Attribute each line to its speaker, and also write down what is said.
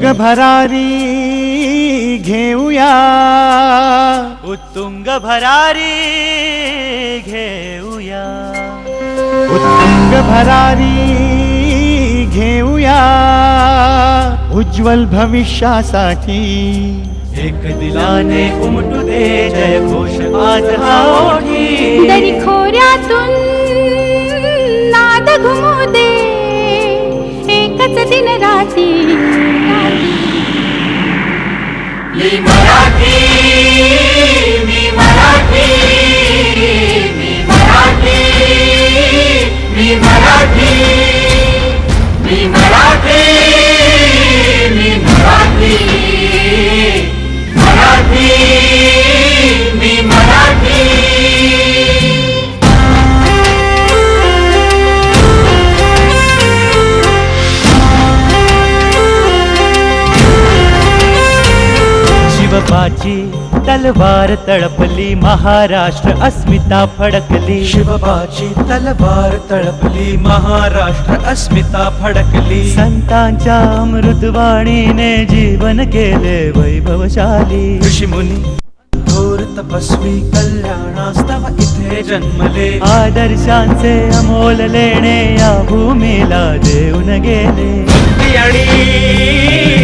Speaker 1: भरारी घेऊया,
Speaker 2: उत्तुंग भरारी घेऊया,
Speaker 1: उत्तुंग भरारी घेऊया, उज्ज्वल भविष्यासाठी
Speaker 2: एक दिलाने उमटू दे जय घोष आज हा ओठी,
Speaker 3: दरी खोऱ्यातून नाद घुमू दे एकच दिन राती,
Speaker 2: मी मराठी, मी मराठी, मी मराठी, मी मराठी, मी मराठी, मी मराठी, मराठी, मी मराठी। शिवबाची तलवार तळपली, महाराष्ट्र अस्मिता फडकली,
Speaker 4: शिवबाची तलवार तळपली, महाराष्ट्र अस्मिता फडकली,
Speaker 2: संतांच्या अमृतवाणीने जीवन केले वैभवशाली,
Speaker 4: ऋषीमुनी थोर तपस्वी कल्याणास्तव इथे जन्मले,
Speaker 2: आदर्शांचे अमोल लेणे या भूमीला देऊन गेले,
Speaker 4: आणि